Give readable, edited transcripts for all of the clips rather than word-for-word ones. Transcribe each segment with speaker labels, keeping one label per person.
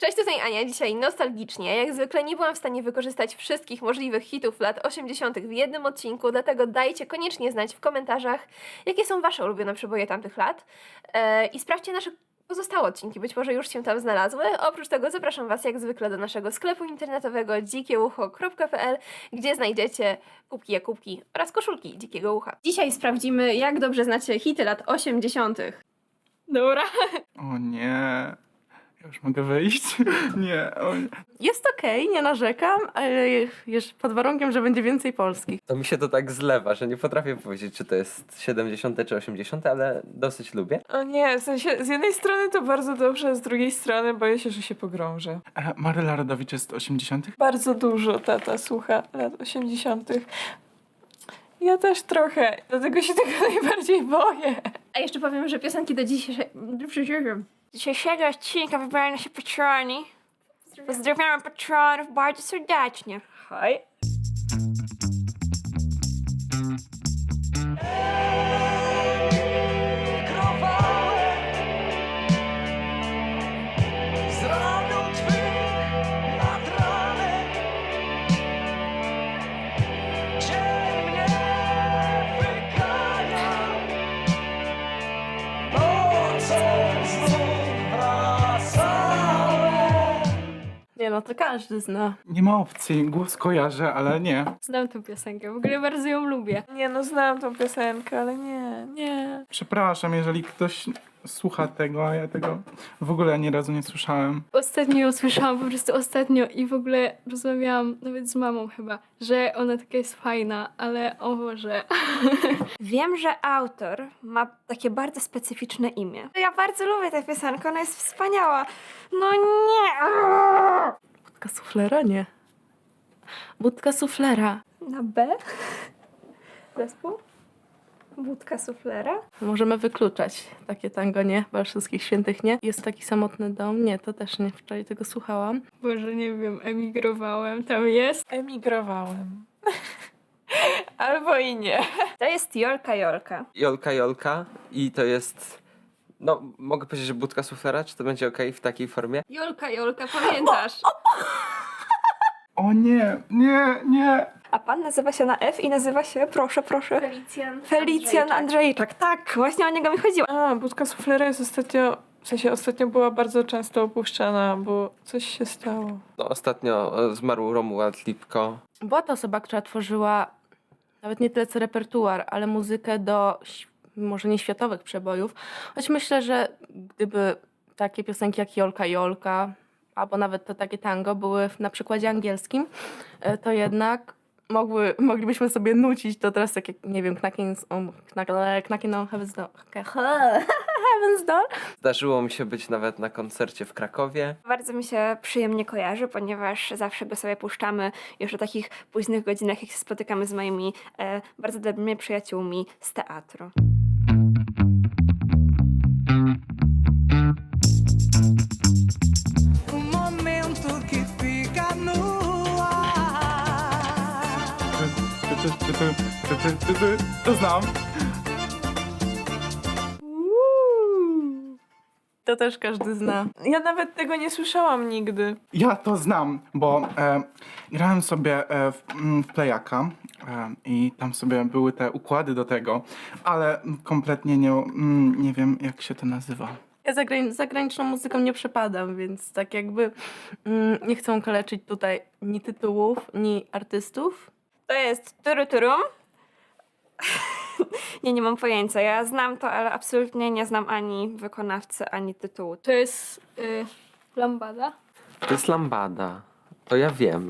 Speaker 1: Cześć, tutaj Ania. Dzisiaj nostalgicznie. Jak zwykle nie byłam w stanie wykorzystać wszystkich możliwych hitów lat 80. w jednym odcinku, dlatego dajcie koniecznie znać w komentarzach, jakie są wasze ulubione przeboje tamtych lat. I sprawdźcie nasze pozostałe odcinki, być może już się tam znalazły. Oprócz tego zapraszam was jak zwykle do naszego sklepu internetowego dzikieucho.pl, gdzie znajdziecie kubki Jakubki oraz koszulki Dzikiego Ucha. Dzisiaj sprawdzimy, jak dobrze znacie hity lat 80. Dobra.
Speaker 2: O nie. Ja już mogę wyjść? Nie. O nie.
Speaker 3: Jest okej, nie narzekam, ale już pod warunkiem, że będzie więcej polskich.
Speaker 4: To mi się to tak zlewa, że nie potrafię powiedzieć, czy to jest 70 czy 80, ale dosyć lubię.
Speaker 5: O nie, w sensie z jednej strony to bardzo dobrze, z drugiej strony boję się, że się pogrążę.
Speaker 2: Maryla Rodowicz jest 80.
Speaker 5: Bardzo dużo tata słucha lat 80. Ja też trochę, dlatego się tego najbardziej boję.
Speaker 1: A jeszcze powiem, że piosenki do dzisiejszego odcinka wybrały nasi patroni. Pozdrawiamy patronów bardzo serdecznie. Hej.
Speaker 3: Nie no, to każdy zna.
Speaker 2: Nie ma opcji. Głos kojarzę, ale nie.
Speaker 1: Znam tę piosenkę, w ogóle bardzo ją lubię.
Speaker 5: Nie no, znam tą piosenkę, ale nie.
Speaker 2: Przepraszam, jeżeli ktoś słucha tego, a ja tego w ogóle ani razu nie słyszałem.
Speaker 6: Ostatnio ją słyszałam, po prostu ostatnio i w ogóle rozmawiałam nawet z mamą chyba, że ona taka jest fajna, ale o Boże.
Speaker 1: Wiem, że autor ma takie bardzo specyficzne imię. Ja bardzo lubię tę piosenkę, ona jest wspaniała. No nie!
Speaker 3: Budka suflera? Nie. Budka suflera.
Speaker 1: Na B? Zespół? Budka suflera?
Speaker 3: Możemy wykluczać takie tango, nie? Chyba wszystkich świętych nie. Jest taki samotny dom? Nie, to też nie. Wczoraj tego słuchałam.
Speaker 6: Boże, nie wiem, emigrowałem, tam jest.
Speaker 5: Emigrowałem. Albo i nie.
Speaker 1: To jest Jolka Jolka.
Speaker 4: Jolka i to jest... No, mogę powiedzieć, że budka suflera, czy to będzie okej w takiej formie?
Speaker 1: Jolka Jolka, pamiętasz?
Speaker 2: O nie, nie.
Speaker 1: A pan nazywa się na F i nazywa się, proszę. Felicjan Andrzejczak. Tak, właśnie o niego mi chodziło.
Speaker 5: A, budka suflera jest ostatnio była bardzo często opuszczana, bo coś się stało.
Speaker 4: No, ostatnio zmarł Romuald Lipko.
Speaker 3: Była to osoba, która tworzyła nawet nie tyle co repertuar, ale muzykę do może nie światowych przebojów. Choć myślę, że gdyby takie piosenki jak Jolka Jolka, albo nawet to takie tango były na przykładzie angielskim, to jednak moglibyśmy sobie nucić to teraz tak jak, nie wiem, Knocking on Heaven's Door. Heaven's Door.
Speaker 4: Zdarzyło mi się być nawet na koncercie w Krakowie.
Speaker 1: Bardzo mi się przyjemnie kojarzy, ponieważ zawsze go sobie puszczamy już o takich późnych godzinach, jak się spotykamy z moimi bardzo dobrymi przyjaciółmi z teatru.
Speaker 2: To znam.
Speaker 3: To też każdy zna.
Speaker 5: Ja nawet tego nie słyszałam nigdy.
Speaker 2: Ja to znam, bo grałem sobie w Playaka i tam sobie były te układy do tego, ale kompletnie nie wiem, jak się to nazywa.
Speaker 3: Ja zagraniczną muzyką nie przepadam, więc tak jakby nie chcę kaleczyć tutaj ni tytułów, ni artystów.
Speaker 1: To jest turuturum. Nie mam pojęcia. Ja znam to, ale absolutnie nie znam ani wykonawcy, ani tytułu.
Speaker 6: To jest lambada.
Speaker 4: To jest Lambada. To ja wiem.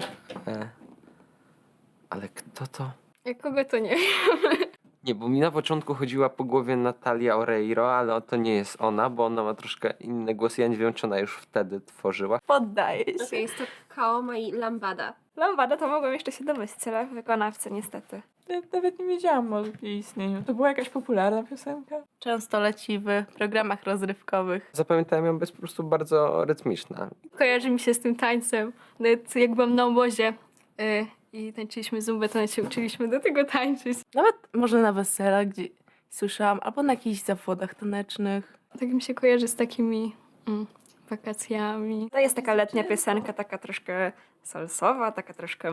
Speaker 4: Ale kto to?
Speaker 6: Jak kogo to nie wiem.
Speaker 4: Nie, bo mi na początku chodziła po głowie Natalia Oreiro, ale to nie jest ona, bo ona ma troszkę inny głos. Ja nie wiem, czy ona już wtedy tworzyła.
Speaker 3: Poddaję się.
Speaker 1: Jest to Kaoma i Lambada. Lambada to mogłam jeszcze się domyślić, ale wykonawcy niestety.
Speaker 5: Ja nawet nie wiedziałam o jej istnieniu. To była jakaś popularna piosenka?
Speaker 3: Często leci w programach rozrywkowych.
Speaker 4: Zapamiętałem ją, bo jest po prostu bardzo rytmiczna.
Speaker 6: Kojarzy mi się z tym tańcem. Nawet jak byłam na obozie i tańczyliśmy zumbę, to się uczyliśmy do tego tańczyć.
Speaker 3: Nawet może na weselach, gdzie słyszałam, albo na jakichś zawodach tanecznych.
Speaker 6: Tak mi się kojarzy z takimi wakacjami.
Speaker 5: To jest taka letnia piosenka, taka troszkę salsowa, taka troszkę...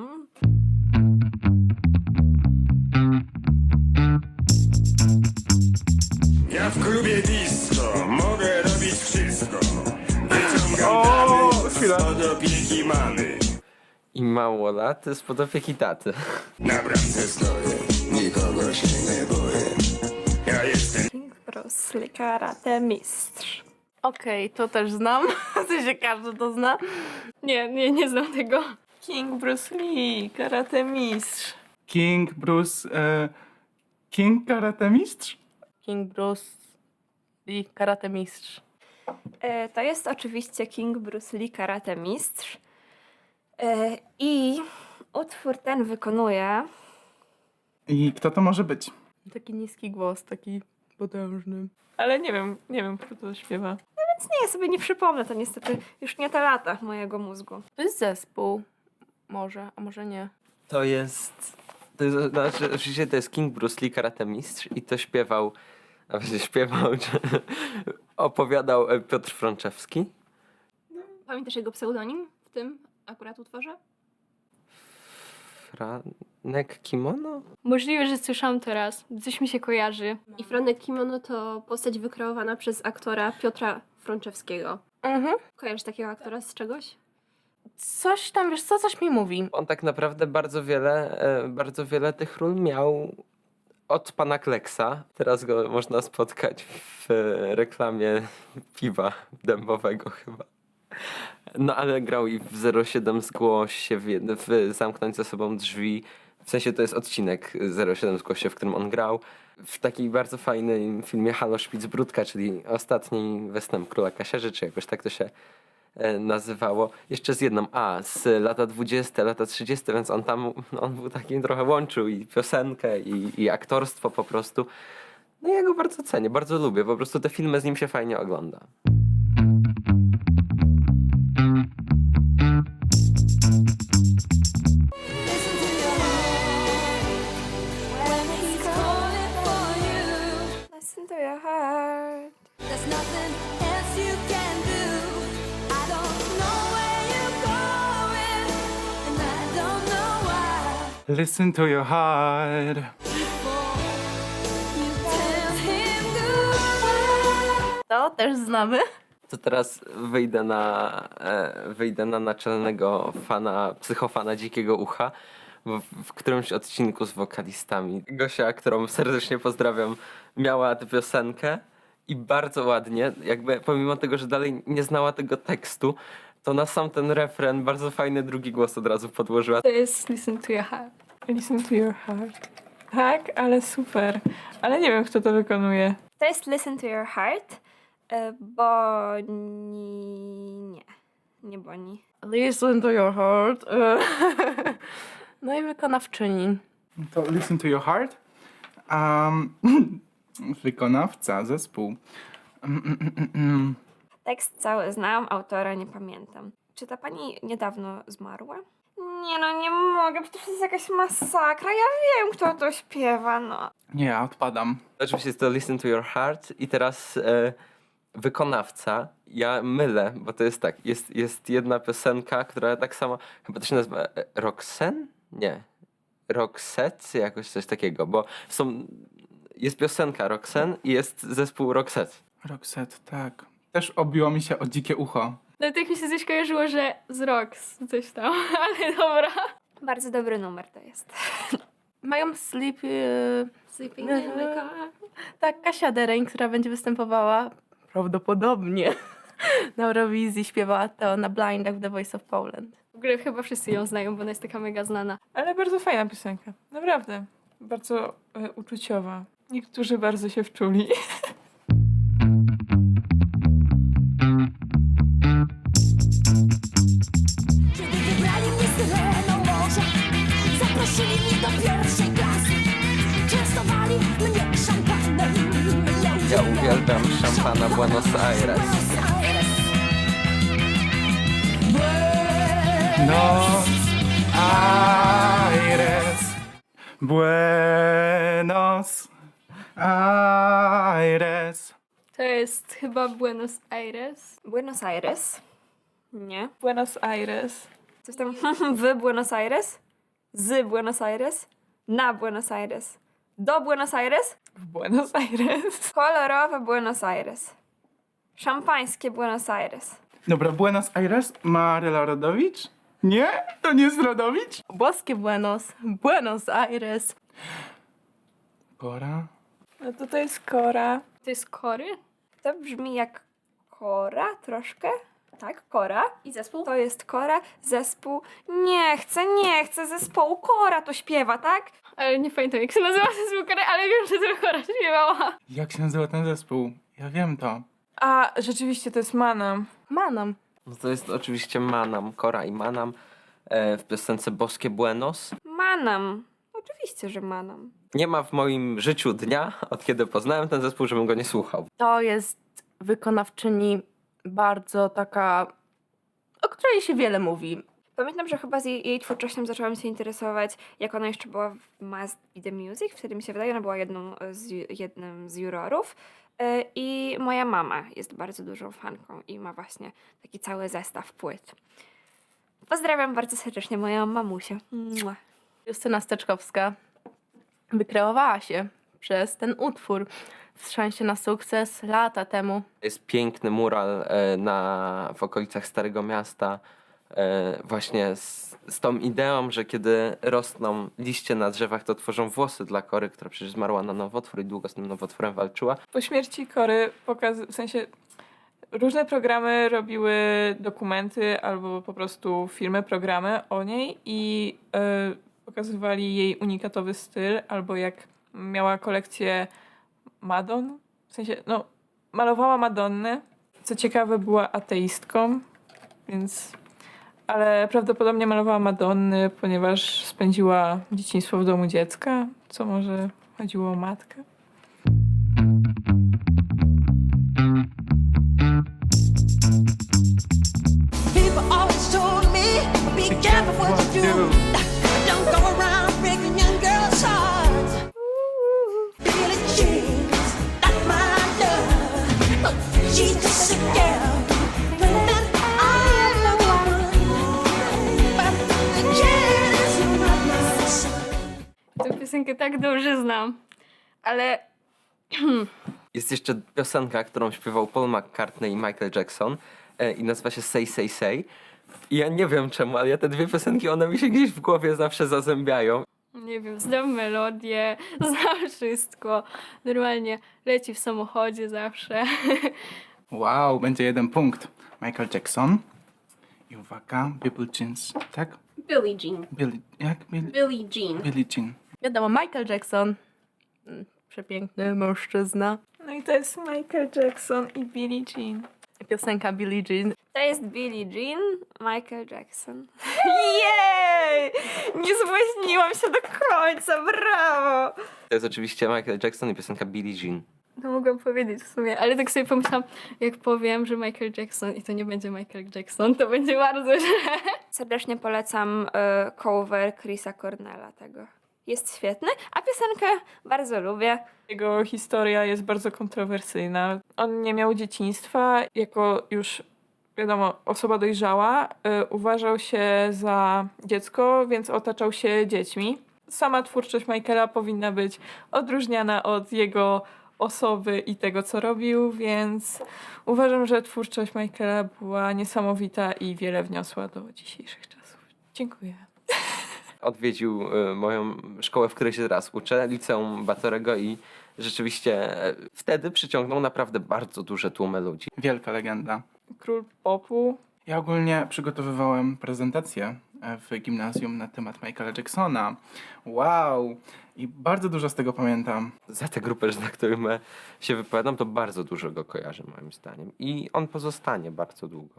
Speaker 7: Ja w klubie disco mogę robić wszystko. Wyciągam
Speaker 2: O,
Speaker 7: damy
Speaker 2: chwila.
Speaker 7: spod opieki mamy.
Speaker 4: I mało lat spod opieki taty.
Speaker 7: Na bramce stoję, nikogo się nie boję. Ja jestem
Speaker 5: King Bruce Lee, karate mistrz.
Speaker 3: Okej, to też znam. W sensie każdy to zna.
Speaker 6: Nie znam tego.
Speaker 5: King Bruce Lee, karate mistrz.
Speaker 2: King Bruce... King Karate Mistrz?
Speaker 3: King Bruce i karate mistrz.
Speaker 5: To jest oczywiście King Bruce Lee, karate mistrz. I utwór ten wykonuje...
Speaker 2: I kto to może być?
Speaker 3: Taki niski głos, taki potężny.
Speaker 5: Ale nie wiem, kto to śpiewa. No więc nie, ja sobie nie przypomnę, to niestety już nie te lata mojego mózgu.
Speaker 3: To jest zespół. Może, a może nie.
Speaker 4: To jest, znaczy, oczywiście to jest King Bruce Lee, karate mistrz i to śpiewał, a właściwie śpiewał, czy opowiadał Piotr Frączewski.
Speaker 1: Pamiętasz jego pseudonim w tym akurat utworze?
Speaker 4: Franek Kimono?
Speaker 6: Możliwe, że słyszałam to raz. Coś mi się kojarzy.
Speaker 1: I Franek Kimono to postać wykreowana przez aktora Piotra Frączewskiego.
Speaker 3: Mhm.
Speaker 1: Kojarzysz takiego aktora z czegoś?
Speaker 3: Coś tam, wiesz co, coś mi mówi.
Speaker 4: On tak naprawdę bardzo wiele tych ról miał od pana Kleksa. Teraz go można spotkać w reklamie piwa dębowego chyba. No ale grał i w 07 Zgłoś się, w Zamknąć za sobą drzwi. W sensie to jest odcinek 07 Zgłoś się, w którym on grał. W takim bardzo fajnym filmie Halo Szpicbródka, czyli ostatni western Króla Kasiarzy, czy jakoś tak to się nazywało. Jeszcze z jedną, z lata 20, lata 30, więc on był takim trochę łączył i piosenkę, i aktorstwo po prostu. No ja go bardzo cenię, bardzo lubię. Po prostu te filmy z nim się fajnie ogląda.
Speaker 5: Listen to your heart.
Speaker 8: There's nothing else you can do. I don't know where you're going, and I don't know why.
Speaker 2: Listen to your heart.
Speaker 8: Before you tell him goodbye.
Speaker 3: To też znamy.
Speaker 4: To teraz wyjdę na naczelnego psychofana Dzikiego Ucha w którymś odcinku z wokalistami. Gosia, którą serdecznie pozdrawiam, miała tę piosenkę i bardzo ładnie, jakby pomimo tego, że dalej nie znała tego tekstu, to na sam ten refren bardzo fajny drugi głos od razu podłożyła.
Speaker 6: To jest Listen to Your Heart.
Speaker 5: Listen to your heart. Tak, ale super. Ale nie wiem, kto to wykonuje. To jest Listen to your heart. Nie Boni.
Speaker 3: Listen to your heart. No i wykonawczyni.
Speaker 2: To Listen to your heart. Wykonawca, zespół.
Speaker 5: Tekst cały znam, autora nie pamiętam. Czy ta pani niedawno zmarła? Nie no, nie mogę, przecież to jest jakaś masakra. Ja wiem, kto to śpiewa, no.
Speaker 2: Nie, ja odpadam.
Speaker 4: Oczywiście jest to Listen to Your Heart i teraz wykonawca, ja mylę, bo to jest tak, jest jedna piosenka, która tak samo, chyba to się nazywa Roxanne? Nie. Roxette? Jakoś coś takiego, bo jest piosenka Roxanne i jest zespół Roxette.
Speaker 2: Roxette, tak. Też obiło mi się o dzikie ucho.
Speaker 6: No tak mi się coś kojarzyło, że z Rox coś tam, ale dobra.
Speaker 5: Bardzo dobry numer to jest.
Speaker 3: Mają
Speaker 1: Sleeping in my car.
Speaker 3: tak, Kasia Dereń, która będzie występowała prawdopodobnie na Eurowizji, śpiewała to na blindach w The Voice of Poland.
Speaker 6: W ogóle chyba wszyscy ją znają, bo ona jest taka mega znana.
Speaker 5: Ale bardzo fajna piosenka. Naprawdę. Bardzo uczuciowa. Niektórzy bardzo się wczuli.
Speaker 8: Kiedy wybrali mnie syreną morza, zaprosili mnie do pierwszej klasy. Częstowali mnie szampanem.
Speaker 4: Ja uwielbiam szampana Buenos Aires.
Speaker 2: Buenos Aires. Buenos Aires.
Speaker 6: To jest chyba Buenos Aires.
Speaker 5: Buenos Aires. Nie.
Speaker 9: Buenos Aires.
Speaker 5: Coś tam w Buenos Aires? Z Buenos Aires? Na Buenos Aires? Do Buenos Aires?
Speaker 9: W Buenos Aires.
Speaker 5: Kolorowe Buenos Aires. Szampańskie Buenos Aires.
Speaker 2: Dobra, Buenos Aires, Maryla Rodowicz? Nie? To nie jest Rodowicz?
Speaker 3: Boskie Buenos Aires.
Speaker 2: Kora?
Speaker 9: No to jest Kora.
Speaker 6: To jest Kory?
Speaker 5: To brzmi jak Kora troszkę. Tak, Kora.
Speaker 1: I zespół?
Speaker 5: To jest Kora, zespół. Nie chcę zespołu. Kora to śpiewa, tak?
Speaker 6: Ale nie pamiętam jak się nazywa zespół Kory, ale wiem, że to Kora śpiewała.
Speaker 2: Jak się nazywa ten zespół? Ja wiem to.
Speaker 9: A, rzeczywiście to jest Manam.
Speaker 3: Manam.
Speaker 4: No to jest oczywiście Manam, Kora i Manam w piosence Boskie Buenos.
Speaker 5: Manam. Oczywiście, że Manam.
Speaker 4: Nie ma w moim życiu dnia, od kiedy poznałem ten zespół, żebym go nie słuchał.
Speaker 3: To jest wykonawczyni bardzo taka, o której się wiele mówi.
Speaker 5: Pamiętam, że chyba z jej twórczością zaczęłam się interesować, jak ona jeszcze była w Must Be The Music. Wtedy mi się wydaje, ona była jednym z jurorów. I moja mama jest bardzo dużą fanką i ma właśnie taki cały zestaw płyt. Pozdrawiam bardzo serdecznie moją mamusię. Mua.
Speaker 3: Justyna Steczkowska wykreowała się przez ten utwór w szansie na sukces lata temu.
Speaker 4: Jest piękny mural w okolicach Starego Miasta, właśnie z tą ideą, że kiedy rosną liście na drzewach, to tworzą włosy dla Kory, która przecież zmarła na nowotwór i długo z tym nowotworem walczyła.
Speaker 9: Po śmierci Kory w sensie różne programy robiły dokumenty albo po prostu filmy, programy o niej i pokazywali jej unikatowy styl, albo jak miała kolekcję Madon, w sensie, no, malowała Madonny. Co ciekawe, była ateistką, więc... Ale prawdopodobnie malowała Madonny, ponieważ spędziła dzieciństwo w domu dziecka, co może chodziło o matkę.
Speaker 8: People always told me, be careful what you do. Don't go around breaking young girls' hearts. Billie Jean's not my love. She's just a girl. That I'm the woman. But the kid is not my son.
Speaker 6: Tę piosenkę tak dobrze znam. Ale
Speaker 4: Jest jeszcze piosenka, którą śpiewał Paul McCartney i Michael Jackson i nazywa się Say Say Say. I ja nie wiem czemu, ale te dwie piosenki, one mi się gdzieś w głowie zawsze zazębiają.
Speaker 6: nie wiem, znam melodię, znam wszystko. Normalnie leci w samochodzie zawsze.
Speaker 2: Wow, będzie 1 punkt. Michael Jackson. I uwaga, Billie Jeans, tak?
Speaker 1: Billie Jean.
Speaker 2: Billie
Speaker 1: Jean.
Speaker 2: Billie Jean.
Speaker 3: Wiadomo, Michael Jackson. Przepiękny mężczyzna.
Speaker 9: No i to jest Michael Jackson i Billie Jean.
Speaker 3: Piosenka Billie Jean.
Speaker 5: To jest Billie Jean, Michael Jackson. Jej! Nie zbłaźniłam się do końca, brawo!
Speaker 4: To jest oczywiście Michael Jackson i piosenka Billie Jean.
Speaker 6: No mogłam powiedzieć w sumie, ale tak sobie pomyślałam, jak powiem, że Michael Jackson i to nie będzie Michael Jackson, to będzie bardzo źle.
Speaker 5: Serdecznie polecam cover Chrisa Cornella tego. Jest świetny, a piosenkę bardzo lubię.
Speaker 9: Jego historia jest bardzo kontrowersyjna. On nie miał dzieciństwa. Jako już, wiadomo, osoba dojrzała, uważał się za dziecko, więc otaczał się dziećmi. Sama twórczość Michaela powinna być odróżniana od jego osoby i tego, co robił, więc uważam, że twórczość Michaela była niesamowita i wiele wniosła do dzisiejszych czasów. Dziękuję.
Speaker 4: Odwiedził moją szkołę, w której się teraz uczę, liceum Batorego i rzeczywiście wtedy przyciągnął naprawdę bardzo duże tłumy ludzi.
Speaker 2: Wielka legenda.
Speaker 9: Król popu.
Speaker 2: Ja ogólnie przygotowywałem prezentację w gimnazjum na temat Michaela Jacksona. Wow! I bardzo dużo z tego pamiętam.
Speaker 4: Za tę grupę, na którym się wypowiadam, to bardzo dużo go kojarzę moim zdaniem. I on pozostanie bardzo długo.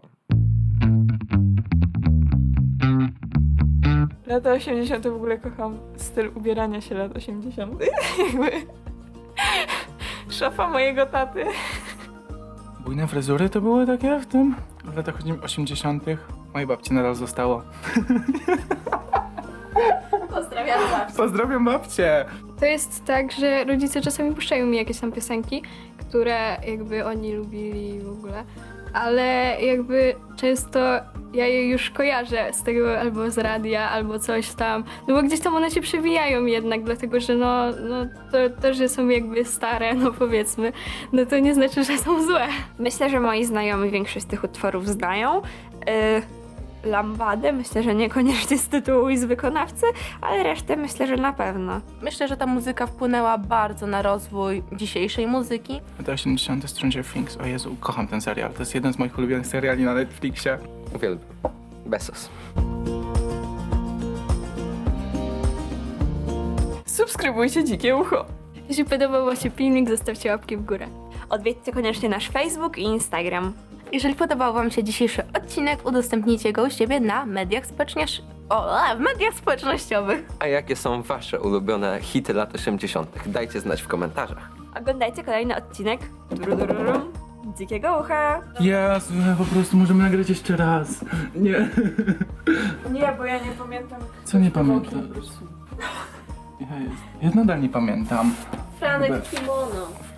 Speaker 9: Lata 80. w ogóle kocham styl ubierania się lat 80. Jakby szafa mojego taty.
Speaker 2: Bujne fryzury to były takie w latach 80. Mojej babci nadal zostało.
Speaker 1: Pozdrawiam was.
Speaker 2: Pozdrawiam babcię!
Speaker 6: To jest tak, że rodzice czasami puszczają mi jakieś tam piosenki, które jakby oni lubili w ogóle, ale jakby często ja je już kojarzę z tego albo z radia, albo coś tam, no bo gdzieś tam one się przewijają jednak, dlatego że to, że są jakby stare, no powiedzmy, no to nie znaczy, że są złe.
Speaker 5: Myślę, że moi znajomi większość z tych utworów znają. Lambadę myślę, że niekoniecznie z tytułu i z wykonawcy, ale resztę myślę, że na pewno.
Speaker 3: Myślę, że ta muzyka wpłynęła bardzo na rozwój dzisiejszej muzyki.
Speaker 2: Lata 80. Stranger Things. O Jezu, kocham ten serial. To jest jeden z moich ulubionych seriali na Netflixie.
Speaker 4: Uwielbiam. Besos.
Speaker 9: Subskrybujcie Dzikie Ucho.
Speaker 6: Jeśli podobał Wam się filmik, zostawcie łapki w górę.
Speaker 5: Odwiedźcie koniecznie nasz Facebook i Instagram.
Speaker 3: Jeżeli podobał Wam się dzisiejszy odcinek, udostępnijcie go u siebie na w mediach społecznościowych.
Speaker 4: A jakie są wasze ulubione hity lat 80.? Dajcie znać w komentarzach.
Speaker 5: Oglądajcie kolejny odcinek Dzikiego Ucha.
Speaker 2: Jezu, po prostu możemy nagrać jeszcze raz. Nie.
Speaker 9: Nie, bo ja nie pamiętam.
Speaker 2: Co nie pamiętam? Ja nadal nie pamiętam.
Speaker 1: Franek kimono.